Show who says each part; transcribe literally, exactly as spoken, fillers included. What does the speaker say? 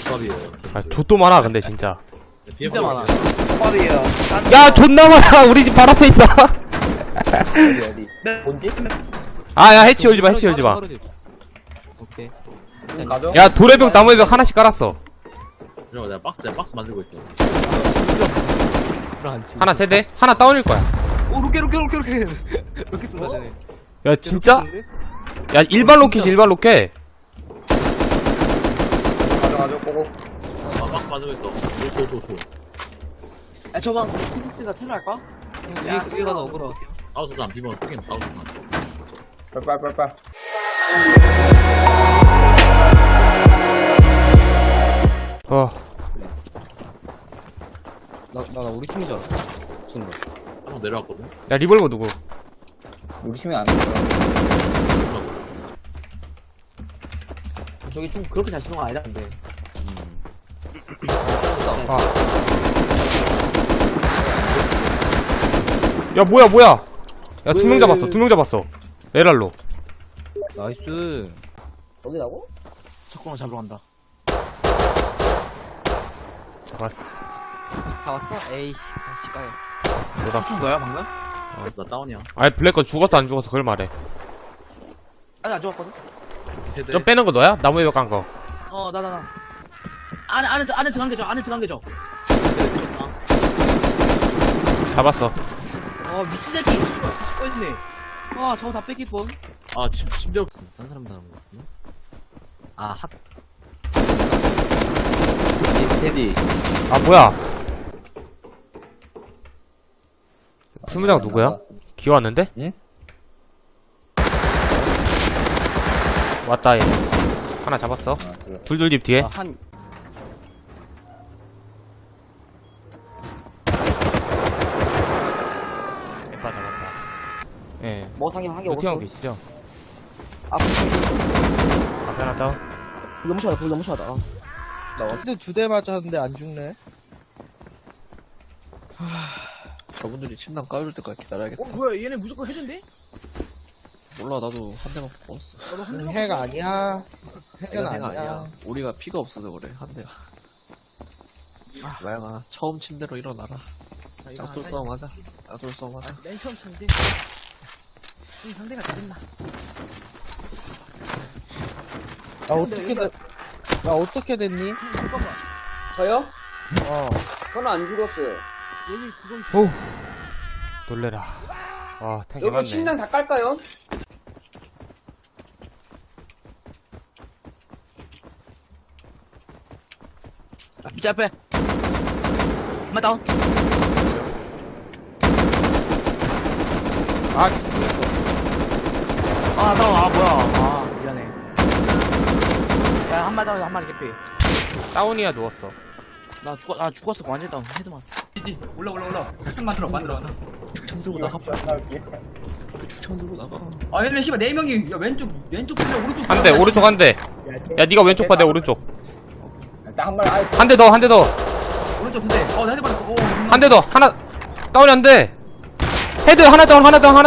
Speaker 1: 조합이에요.
Speaker 2: 아 좆도 많아 근데 진짜.
Speaker 3: 진짜 많아.
Speaker 4: 밥이에요.
Speaker 2: 야 존나 많아. 우리 집 바로 앞에 있어.
Speaker 4: 어디 어디? 뭔지?
Speaker 2: 아야 해치 열지마 해치 열지마.
Speaker 3: 오케이.
Speaker 4: 가져?
Speaker 2: 야 도래벽 나무의벽 하나씩 깔았어.
Speaker 1: 이러고 내가 박스, 내가 박스 만들고 있어.
Speaker 2: 하나 세대 하나 다운일 거야.
Speaker 3: 오 로켓 로켓 로켓 로켓. 로켓 쏜다 쟤네.
Speaker 2: 야 진짜? 야 일반 로켓이 일반 로켓.
Speaker 4: 가져 가져 꼬고.
Speaker 1: 아, 박스 만들고 있어. 조, 조, 조, 조.
Speaker 4: 야 저방 스티브가 테러 할까?
Speaker 3: 야 그게 가다 억울하.
Speaker 1: 사우스 사람 비번 쓰긴 사우스 사람.
Speaker 4: 빨빨빨빨.
Speaker 2: 어.
Speaker 3: 나나 나 우리 팀인 줄 알았어. 순간.
Speaker 1: 한번 내려왔거든.
Speaker 2: 야 리볼버 누구?
Speaker 4: 우리 팀이 안 돼. 저기 좀 그렇게 잘 쓰는 거 아니다 근데.
Speaker 2: 아. 야 뭐야 뭐야? 야 두 명 잡았어 두 명 잡았어. 에랄로.
Speaker 3: 나이스.
Speaker 4: 여기라고? 석공을 잡으러 간다.
Speaker 2: 잡았어.
Speaker 4: 잡았어? 에이씨 다시 가요.
Speaker 2: 뭐다?
Speaker 4: 준 거야 방금?
Speaker 1: 그래서 나 다운이야.
Speaker 2: 아이 블랙건 죽었어 안 죽었어 그걸 말해.
Speaker 4: 아니 안 죽었거든?
Speaker 1: 세대.
Speaker 2: 좀 빼는 거 너야? 나무의벽 깐 거.
Speaker 4: 어 나 나 나. 안에 안에 들- 안에 들어간 게죠 안에 들어간 게죠.
Speaker 2: 잡았어.
Speaker 4: 어 미친 새끼. 찍고 있네. 와 저거 다 뺏길 뻔.
Speaker 1: 아, 심, 심지어.
Speaker 3: 딴 사람 다는 거 같구나. 아 핫.
Speaker 4: 테디.
Speaker 2: 아 뭐야? 풀무장 누구야? 기어 왔는데?
Speaker 4: 응?
Speaker 2: 왔다 얘. 하나 잡았어. 둘둘 집 뒤에.
Speaker 4: 한
Speaker 2: 에빠 잡았다. 예.
Speaker 4: 뭐 상임 한개
Speaker 2: 루티 형
Speaker 4: 없어.
Speaker 2: 계시죠?
Speaker 4: 아 불
Speaker 2: 앞에 하나 다운.
Speaker 4: 너무 심하다 불 너무 심하다.
Speaker 5: 근데 두 대 맞았는데 안 죽네.
Speaker 3: 저분들이 침낭 까줄 때까지 기다려야겠다.
Speaker 4: 어 뭐야 얘네 무조건 해준대?
Speaker 3: 몰라 나도 한 대만 뽑았어.
Speaker 5: 해가 아니야. 해가
Speaker 3: 내가
Speaker 5: 아니야.
Speaker 3: 내가 아니야. 우리가 피가 없어서 그래 한 대가. 마영아 처음 침대로 일어나라. 짝돌 싸움 하자. 짝돌 싸움 하자.
Speaker 4: 맨 처음 참데. 이 상대가 잘했나?
Speaker 5: 나 어떻게 돼? 나 어떻게 됐니?
Speaker 4: 잠깐만.
Speaker 6: 저요?
Speaker 5: 어.
Speaker 6: 저는 안 죽었어요.
Speaker 4: 얘네 그거 있어.
Speaker 2: 오. 놀래라. 와 탱이
Speaker 6: 여기
Speaker 2: 맞네.
Speaker 6: 침낭 다 깔까요?
Speaker 4: 아, 밑에 앞에. 한마 다운.
Speaker 2: 아
Speaker 4: 아 다운. 아 뭐야. 아 미안해. 야 한마 다운 한 마리 개피.
Speaker 2: 다운이야 누웠어.
Speaker 4: 나 죽었 아 죽었어 완전 다운. 헤드 맞았어.
Speaker 6: 올라 올라 올라. 좀 만들어 만들어.
Speaker 3: 축창 들고 나가. 축창 들고 나가.
Speaker 6: 아 얘네 씨발 네 명이 야, 왼쪽 왼쪽 풀려 오른쪽.
Speaker 2: 한 대 오른쪽 한 대. 야 니가 왼쪽 봐 내 오른쪽.
Speaker 4: 한 마리 아이
Speaker 2: 한 대 더 한 대 더.
Speaker 6: 오른쪽 근데 어나 헤드 받았어. 오.
Speaker 2: 한 대 더. 하나 다운이 안 돼. 헤드 하나 다운 하나 다운 하나